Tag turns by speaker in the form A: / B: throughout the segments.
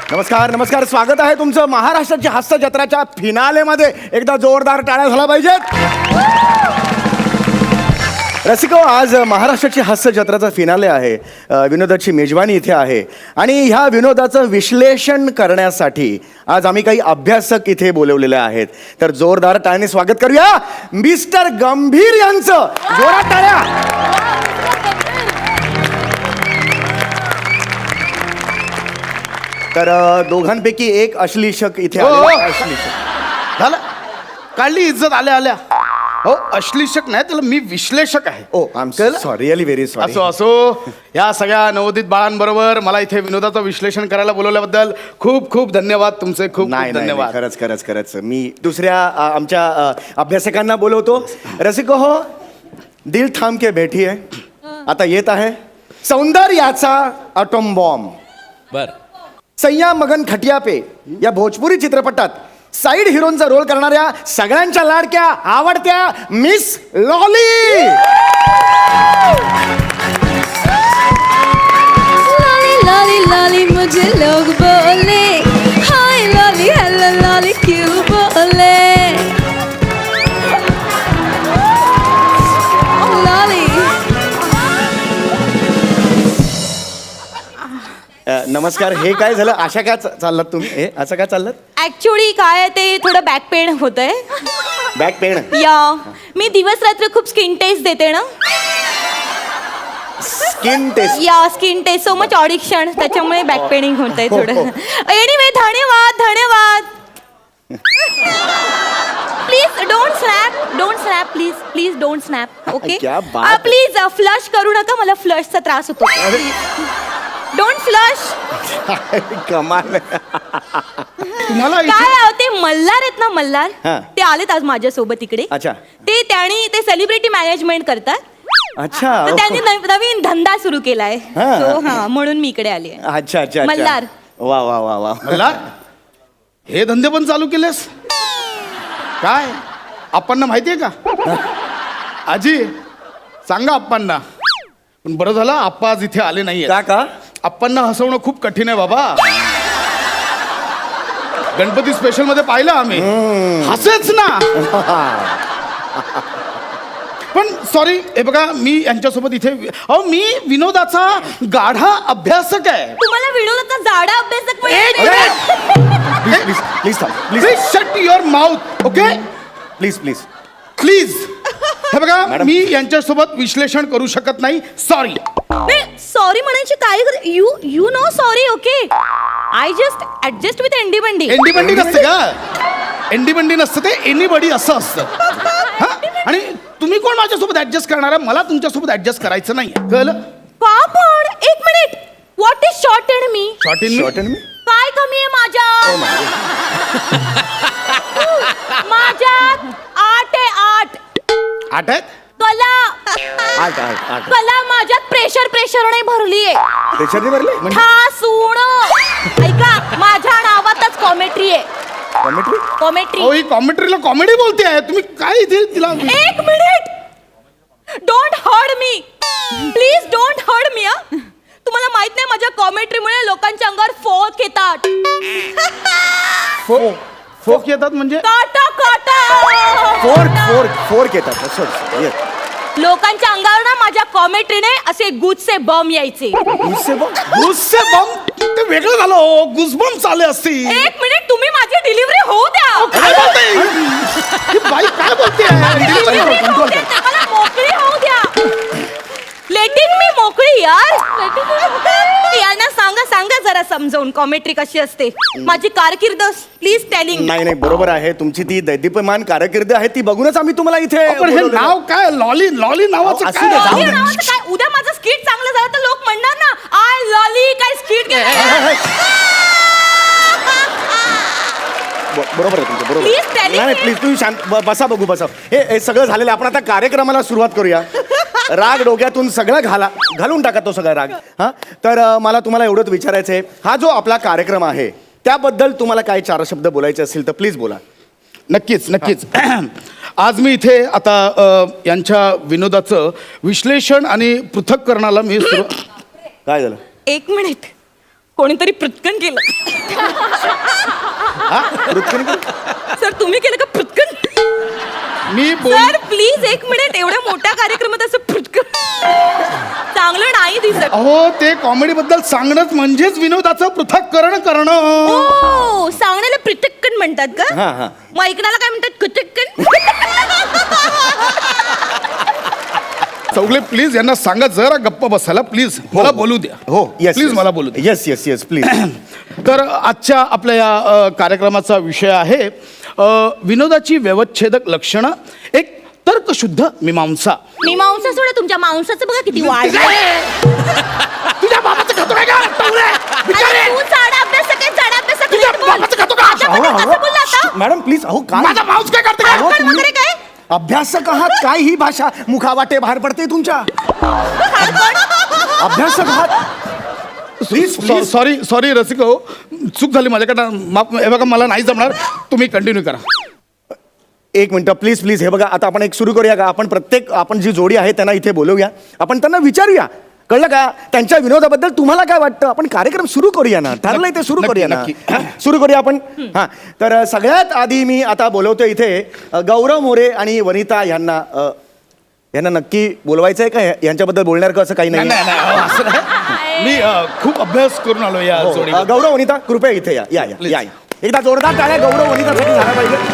A: नमस्कार नमस्कार, स्वागत आहे तुमचं महाराष्ट्राची हास्य जत्राच्या फिनालेमध्ये. एकदा जोरदार टाळ्या झाला पाहिजेत. रसिको, आज महाराष्ट्राची हास्य जत्राचा फिनाले आहे. विनोदाची मेजवानी इथे आहे आणि ह्या विनोदाचं विश्लेषण करण्यासाठी आज आम्ही काही अभ्यासक इथे बोलवलेले आहेत. तर जोरदार टाळ्याने स्वागत करूया मिस्टर गंभीर यांचं. जोरात टाळ्या. तर दोघांपैकी एक अश्लीषक इथे आलेला. अश्लीषक
B: झालं, काढली इज्जत आल्या आल्या. हो, अश्लीषक नाही, त्याला मी विश्लेषक आहे.
A: Oh I am sorry, really very sorry.
B: असो असो, या सगळ्या नवोदित बाळांबरोबर मला इथे विनोदाचं विश्लेषण करायला बोलवल्याबद्दल खूप खूप धन्यवाद तुमचे. खूप
A: नाही
B: खूप धन्यवाद.
A: खरंच खरंच खरंच. मी दुसऱ्या आमच्या अभ्यासकांना बोलवतो. रसिको हो, दिल थांब के बैठी है. आता येत आहे सौंदर्याचा अटोम बॉम्ब.
C: बर,
A: सय्या मगन खटिया पे या भोजपुरी चित्रपटात साईड हिरोनचा रोल करणाऱ्या सगळ्यांच्या लाडक्या आवडत्या miss Lolly.
D: Lolly Lolly Lolly मुझे लोग बोले, हाय लॉली हेलो लॉली क्यों बोले. लॉली
A: नमस्कार. हे काय झालं? अशा काय चाललात तुम्ही? हे असं काय चाललात?
D: ऍक्च्युली काय आहे ते थोडं बॅक पेन होतंय.
A: Back pain.
D: या मी दिवस रात्र खूप स्किन टेस्ट देते ना.
A: Skin test.
D: या skin test so much audition, त्याच्यामुळे बॅक पेनिंग होतंय थोडं. एनिवे धन्यवाद धन्यवाद. Please don't snap please please don't snap. Okay
A: क्या बात.
D: प्लीज फ्लश करू नका, मला फ्लशचा त्रास होतो. Don't flush.
A: कमाल.
B: तुम्हाला इथे
D: काय ते मल्हार आहेत ना, मल्हार
A: हा.
D: ते आलेत आज माझ्यासोबत इकडे.
A: अच्छा.
D: ते सेलिब्रिटी मॅनेजमेंट करतात.
A: अच्छा.
D: तर त्यांनी नवीन धंदा सुरू केलाय.
A: हा.
D: So, हा म्हणून मी इकडे आली आहे.
A: अच्छा अच्छा.
D: मल्हार.
A: वा वा वा वा.
B: मला हे धंदे पण चालू केलेस काय? आप्पांना माहितीये का? आजी सांगा आप्पांना. पण बरं झालं आप्पा आज इथे आले नाहीये.
A: का?
B: आप्पांना हसवणं खूप कठीण आहे बाबा. गणपती स्पेशल मध्ये पाहिलं आम्ही, हसेच ना. पण सॉरी, हे बघा मी यांच्यासोबत इथे मी विनोदाचा गाढा अभ्यासक आहे.
D: तुम्हाला विनोदाचा जाडा अभ्यासक
A: please please please
B: please shut your mouth. Okay
A: please please
B: please. हे बघा
A: मॅडम.
B: मी यांच्यासोबत विश्लेषण करू शकत नाही. सॉरी.
D: सॉरी म्हणायची काय? You know sorry. Okay I just adjust with Andy Bandy.
B: एंडी बंडी नसते का? एंडी बंडी नसतं ते एनीबडी असं असतं. हा? आणि तुम्ही कोण माझ्यासोबत ऍडजस्ट करणार आहे? मला तुमच्यासोबत ऍडजस्ट करायचं नाही. कळलं?
D: पापड एक minute. What is short and me?
B: Short in
A: short me.
D: काय कमी आहे माझ्यात? माझ्यात 8 आहे 8.
B: 8 आहेत.
D: कला
A: आठ आठ आठ.
D: कला माझ्यात प्रेशर नाही भरलीये.
A: त्याच्यात भरले
D: ठासूण. ऐका, माझ्या नावातच कॉमेट्री आहे.
A: कॉमेंट्री.
D: कॉमेट्री.
B: ही कॉमेंट्रीला कॉमेडी बोलते आहे तुम्ही. काय इथे तिला
D: एक minute. Don't hurt me please. Don't hurt me. तुम्हाला माहित नाही माझ्या कॉमेंट्रीमुळे लोकांच्या अंगावर फोक येतात.
B: फोक येतात म्हणजे?
D: काटा काटा.
A: फोर्क येतात. असं येस.
D: लोकांच्या अंगावर ना माझ्या कॉमेंट्रीने असे गुजचे बम यायचे.
B: गुस्से बम ते वेगळं झालं. गुसबम चाले असतील.
D: एक मिनिट, तुम्ही माझी डिलिव्हरी होऊ द्या.
B: काय बोलते ही बाई? काय बोलते
D: Delivery होऊ द्या, मला मोकळी होऊ द्या. लेटिंग मी मोकळी यार. यांना सांगा जरा समजावून कॉमेंट्री कशी असते. माझी कारकीर्द प्लीज टेलिंग.
A: नाही बरोबर आहे. तुमची ती दैदीप्यमान कारकीर्द आहे, ती बघूनच आम्ही तुम्हाला इथे
B: पण हे
A: बोलवलेलं.
B: नाव काय? लॉली नावाचं
A: असू दे,
B: काय?
A: जाऊ दे.
D: नावाचं काय? उद्या माझं स्किट चांगलं झालं तर लोक म्हणणार ना, आय लॉली काय स्किट
A: बरोबर आहे तुमचं. बरोबर.
D: Please tell
A: नाही
D: me.
A: प्लीज तुम्ही शांत बसा. बघू बसा. हे सगळं झालेलं. आपण आता कार्यक्रमाला सुरुवात करूया. राग डोक्यातून सगळं घालून टाका तो सगळा राग. हा तर मला तुम्हाला एवढंच विचारायचं आहे, हा जो आपला कार्यक्रम आहे त्याबद्दल तुम्हाला काय 4 शब्द बोलायचे असतील तर प्लीज बोला.
B: नक्कीच. आज मी इथे आता यांच्या विनोदाचं विश्लेषण आणि पृथक्करणाला मी
A: काय झालं?
D: एक मिनिट. कोणीतरी पृथ्कन केलं. सर तुम्ही केलं का पृथ्कन?
B: मी
D: सर प्लीज एक मिनिट, एवढ्या मोठ्या कार्यक्रमात असं पृथ्कन चांगलं नाही दिसत.
B: अहो ते कॉमेडी बद्दल सांगणंच म्हणजेच विनोदाचं पृथक्करण करणं.
D: हो, सांगण्याला पृथक्कन म्हणतात का?
A: हा हा.
D: मग ऐकण्याला काय म्हणतात? कुचक्कन.
B: चौगले प्लीज यांना सांगा जरा गप्प बसायला प्लीज. मला बोलू द्या.
A: हो येस
B: प्लीज मला बोलू द्या.
A: Yes yes yes please.
B: तर आजच्या आपल्या या कार्यक्रमाचा विषय आहे विनोदाची व्यवच्छेदक लक्षणं, एक तर्कशुद्ध मीमांसा.
D: मी मांसा सोडा, तुमच्या मांसाचं बघा किती वाढ.
B: तुझ्या बाबाचं खातो काय का?
D: तू चाडा अभ्यास काय, चाडा अभ्यास
B: तुझ्या बाबाचं खातो का?
D: कसं बोलला आता?
A: Madam please. अहो काय
B: माझा माऊस काय करते
A: अहो,
B: का?
A: तुम्ही
D: वगैरे काय?
A: अभ्यासक आहात, काय ही भाषा मुखावाटे बाहेर पडते तुमच्या. अभ्यासक आहात प्लीज प्लीज.
B: सॉरी सॉरी रसिक हो, चूक झाली माझ्याकडनं, माफ. हे बघा मला नाही जमणार, तुम्ही कंटिन्यू करा.
A: एक मिनिट प्लीज प्लीज. हे बघा आता आपण एक सुरू करूया का? आपण जी जोडी आहे त्यांना इथे बोलवूया, आपण त्यांना विचारूया, कळलं का? त्यांच्या विनोदाबद्दल तुम्हाला काय वाटतं? आपण कार्यक्रम सुरू करूया ना, ठरलंय ते सुरू करूया ना.
B: नक्की.
A: सुरू करूया आपण. हां, तर सगळ्यात आधी मी आता बोलवतो इथे गौरव मोरे आणि वनिता यांना. यांना नक्की बोलवायचं आहे का? यांच्याबद्दल बोलणार का? असं काही
B: नाही
A: नाही.
B: नाही नाही, असं नाही. मी खूप अभ्यास करून आलो या
A: हो,
B: जोडी.
A: गौरव वनिता कृपया इथे या या या
B: Please.
A: या. एकदा जोरदार टाळ्या गौरव वनितासाठी झाला पाहिजे.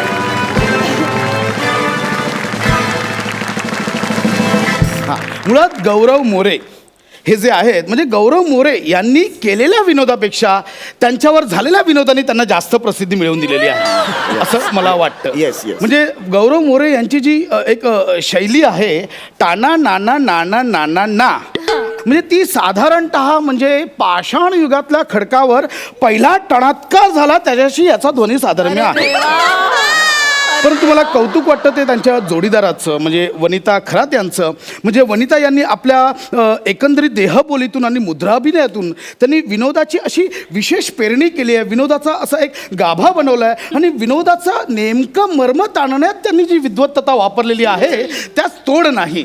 B: मुळात गौरव मोरे हे जे आहेत, म्हणजे गौरव मोरे यांनी केलेल्या विनोदापेक्षा त्यांच्यावर झालेल्या विनोदाने त्यांना जास्त प्रसिद्धी मिळवून दिलेली आहे असं मला वाटतं.
A: Yes, yes.
B: म्हणजे गौरव मोरे यांची जी एक शैली आहे, टाना नाना नाना नाना ना, म्हणजे ती साधारणतः म्हणजे पाषाण युगातल्या खडकावर पहिला टणात्कार झाला त्याच्याशी याचा ध्वनी साधर्म्य आहे. परंतु मला कौतुक वाटतं ते त्यांच्या जोडीदाराचं, म्हणजे वनिता खरात यांचं. म्हणजे वनिता यांनी आपल्या एकंदरीत देहबोलीतून आणि मुद्राभिनयातून त्यांनी विनोदाची अशी विशेष पेरणी केली आहे, विनोदाचा असा एक गाभा बनवला आहे आणि विनोदाचा नेमकं मर्म ताणण्यात त्यांनी जी विद्वत्तता वापरलेली आहे त्यास तोड नाही.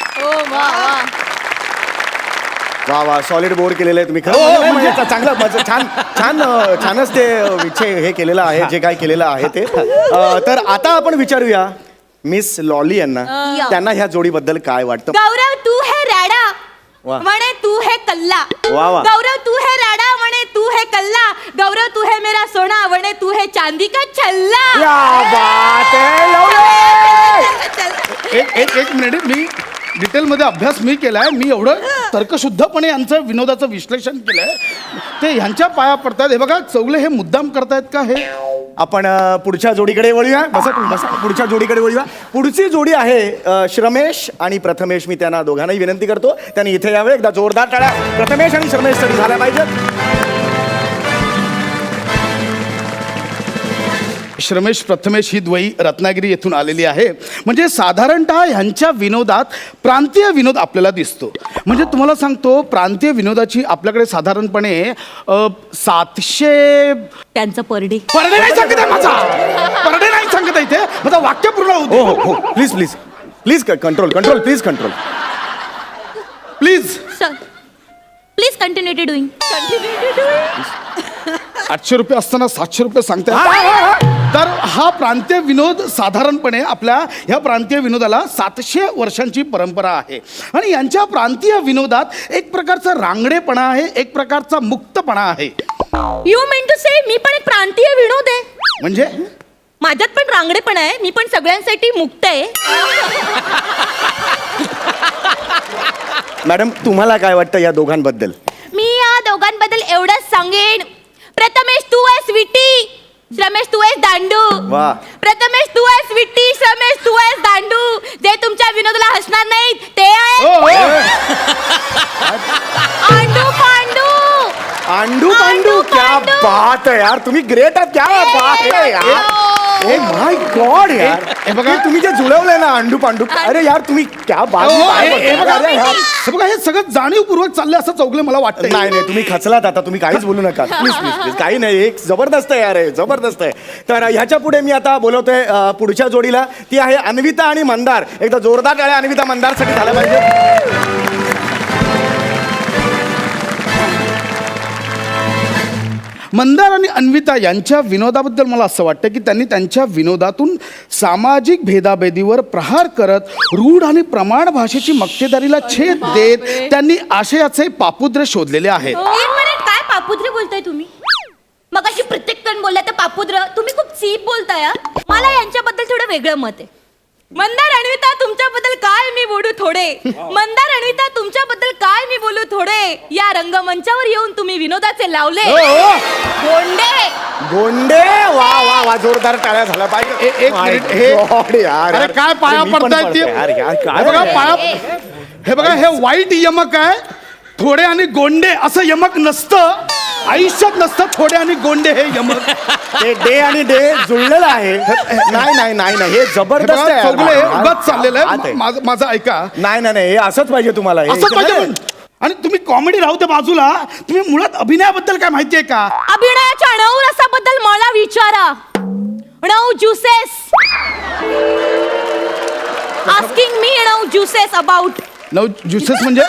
A: वा वा, सॉलिड बोर्ड केलेलं आहे तुम्ही.
B: हो,
A: खरं म्हणजे चांगलं छान छान छानच ते विषय हे केलेलं आहे, जे काय केलेलं आहे ते. तर आता आपण विचारूया मिस लॉली यांना, त्यांना ह्या जोडीबद्दल काय वाटतं.
D: गौरव तू है राडा
A: वाह.
D: म्हणे तू है कल्ला.
A: वाह, वाह.
D: गौरव तू है राडा म्हणे तू है कल्ला. गौरव तू है मेरा सोना म्हणे तू है चांदी का छल्ला.
A: क्या बात है लवली.
B: एक मिनिट, मी डिटेलमध्ये अभ्यास मी केलाय, मी एवढं तर्कशुद्धपणे यांचं विनोदाचं विश्लेषण केलंय, ते ह्यांच्या पाया पडतात. हे बघा चौगले हे मुद्दाम करतायत का? हे
A: आपण पुढच्या जोडीकडे वळूया. बसा तुम्ही, बसा. पुढच्या जोडीकडे वळूया. पुढची जोडी आहे श्रमेश आणि प्रथमेश. मी त्यांना दोघांनाही विनंती करतो त्यांनी इथे यावे. एकदा जोरदार टाळ्या प्रथमेश आणि श्रमेशसाठी झाल्या पाहिजेत.
B: श्रमेश प्रथमेश ही द्वयी रत्नागिरी येथून आलेली आहे. म्हणजे साधारणतः ह्यांच्या विनोदात प्रांतीय विनोद आपल्याला दिसतो. म्हणजे तुम्हाला सांगतो, प्रांतीय विनोदाची आपल्याकडे साधारणपणे 700
D: त्यांचं परडे.
B: परडे नाही सांगत आहे माझा, परडे नाही सांगत आहे इथे, माझा वाक्य पूर्ण होऊ दे.
A: हो हो हो, please please please control control please control
B: please.
D: Please continue to doing.
B: 800 रुपये असताना 700 रुपये सांगताय. तर हा प्रांतीय विनोद साधारणपणे आपल्या ह्या प्रांतीय विनोदाला 700 वर्षांची परंपरा आहे आणि यांच्या प्रांतीय विनोदात एक प्रकारचा रांगडेपणा आहे, एक प्रकारचा मुक्तपणा आहे.
D: यू मीन टू से मी पण एक प्रांतीय विनोद आहे?
B: म्हणजे
D: माझ्यात पण रांगडेपणा आहे, मी पण सगळ्यांसाठी मुक्त आहे.
A: मॅडम तुम्हाला काय वाटतं या दोघांबद्दल?
D: मी या दोघांबद्दल एवढंच सांगेन, प्रथमेश तू आहेस विटी, श्रमेश तू आहेस दांडू.
A: वाह.
D: प्रथमेश तू आहेस विटी, श्रमेश तू आहेस दांडू. जे तुमच्या विनोदाला हसणार नाहीत ते आहे
B: हो, हो.
D: आंडू पांडू.
A: आंडू पांडू. क्या
D: पांडू.
A: बात है यार, तुम्ही ग्रेट आहात. क्या बात है यार. ओ माय गॉड यार.
B: हे बघा.
A: हे तुम्ही जे जुळवलंय ना अंडू पांडू, अरे यार तुम्ही क्या बात.
B: हो,
A: काय
B: हे
A: बोलताय?
B: बघा,
A: अरे यार.
B: हे बघा, हे सगळं जाणीवपूर्वक चाललंय असं चौगले मला वाटतं.
A: नाही नाही, तुम्ही खचलात आता, तुम्ही काहीच बोलू नका प्लीज प्लीज प्लीज. काही नाही, एक जबरदस्त आहे यार, हे जबरदस्त आहे. तर ह्याच्या पुढे मी आता बोलवतोय पुढच्या जोडीला, ती आहे अन्विता आणि मंदार. एकदा जोरदार टाळ्या अन्विता मंदारसाठी झाल्या पाहिजे.
B: मंदार आणि अन्विता यांच्या विनोदाबद्दल मला असं वाटतं की त्यांनी त्यांच्या विनोदातून सामाजिक भेदाभेदीवर प्रहार करत रूढ आणि प्रमाण भाषेची मक्तेदारीला छेद देत त्यांनी आशयाचे पापुद्र शोधलेले आहेत.
D: एक मिनिट, काय पापुद्रे बोलताय तुम्ही? मगाशी प्रत्येक जण बोलला तर पापुद्र, तुम्ही खूप चीप बोलताय हा. मला यांच्याबद्दल थोडं वेगळं मत आहे. मंदार अन्विता तुमच्याबद्दल काय मी बोलू थोडे. मंदार अन्विता तुमच्याबद्दल काय मी बोलू थोडे. या रंगमंचावर येऊन तुम्ही विनोदाचे लावले गोंडे.
A: गोंडे, वा वा वा, जोरदार टाळ्या झाल्या पाहिजे.
B: एक
A: My
B: मिनिट, हे
A: God, यार,
B: अरे
A: यार.
B: काय पाया
A: मी पण
B: पडतायत ते?
A: पडतोय, यार, यार, काय
B: हे बघा
A: बोलताय?
B: पाया, हे बघा हे वाईट यमक आहे. थोडे आणि गोंडे असं यमक नसतं, आयुष्यात नसतं थोडे आणि गोंडे हे यमक.
A: ते डे आणि डे जुळलेलं आहे. नाही नाही नाही नाही, हे
B: हे
A: जबरदस्त
B: बघा,
A: आहे.
B: चौगले
A: हा,
B: उगाच चाललेलं
A: हात
B: आहे. माझं ऐका.
A: नाही नाही नाही, हे असंच पाहिजे तुम्हाला. हे
B: असं पाहिजे पण. आणि तुम्ही कॉमेडी राहू दे बाजूला, तुम्ही मुळात अभिनयाबद्दल काय माहितीये का?
D: अभिनयाच्या नऊ रसाबद्दल मला विचारा. नऊ ज्युसेस. आस्किंग मी नऊ ज्युसेस अबाउट.
B: नऊ ज्युसेस म्हणजे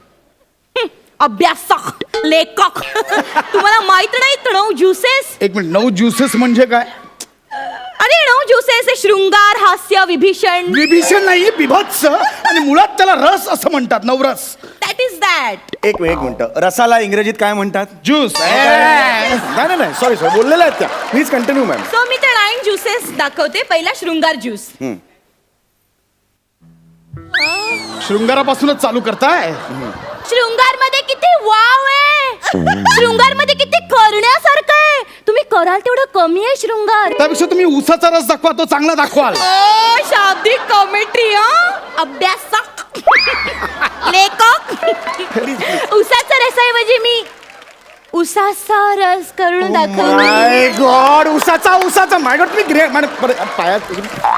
D: अभ्यासक, लेखक. तुम्हाला माहित नाही नऊ ज्युसेस?
B: एक मिनिट, नऊ ज्युसेस म्हणजे काय?
D: अरे नऊ ज्युसेस हे शृंगार, हास्य, विभीषण.
B: विभीषण नाही, बिभत्स. आणि मुळात त्याला रस असं म्हणतात, नवरस.
D: That is that.
A: एक मिनिट, रसाला इंग्रजीत काय म्हणतात?
B: ज्यूस.
A: नाही नाही सॉरी सॉरी, बोललेल्या आहेत त्या. Please continue ma'am.
D: सो मी ते 9 ज्युसेस दाखवते. पहिला शृंगार ज्यूस.
B: शृंगारापासूनच चालू करताय.
D: शृंगार मध्ये किती वाव आहे. शृंगार मध्ये किती करण्यासारखं आहे. तुम्ही कराल तेवढं कमी आहे शृंगार.
B: त्यापेक्षा तुम्ही उसाचा रस दाखवा, तो चांगला दाखवाल.
D: ओ शाब्दिक कॉमेंट्री. अभ्यासक, लेखक. उसाचा रसाऐवजी मी उसाचा रस करून दाखवते.
A: माय गॉड, उसाचा माय गॉड, तुम्ही ग्रेट. पायात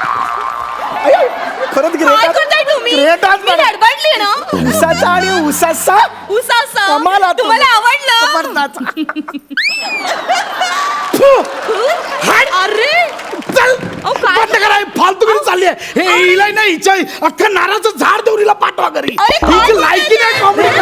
A: खरंच
D: काय करताय तुम्ही?
A: ग्रेट आहात
D: मी
A: मॅडम.
D: गडबडली ना.
A: उसाचा आणि उसाचा
D: उसाचा
A: कमाल आहात
D: तुम्हाला आवडलं?
A: जबरदस्त.
D: अरे
B: चल
D: अहो, काय?
B: बंद करा, हे फालतूगिरी चालली आहे. हे हिला नाही, हिच्या अख्खा नाराचं झाड देऊन हिला पाठवा घरी.
D: अरे, काय
B: हिची लायकी नाही कॉमेडी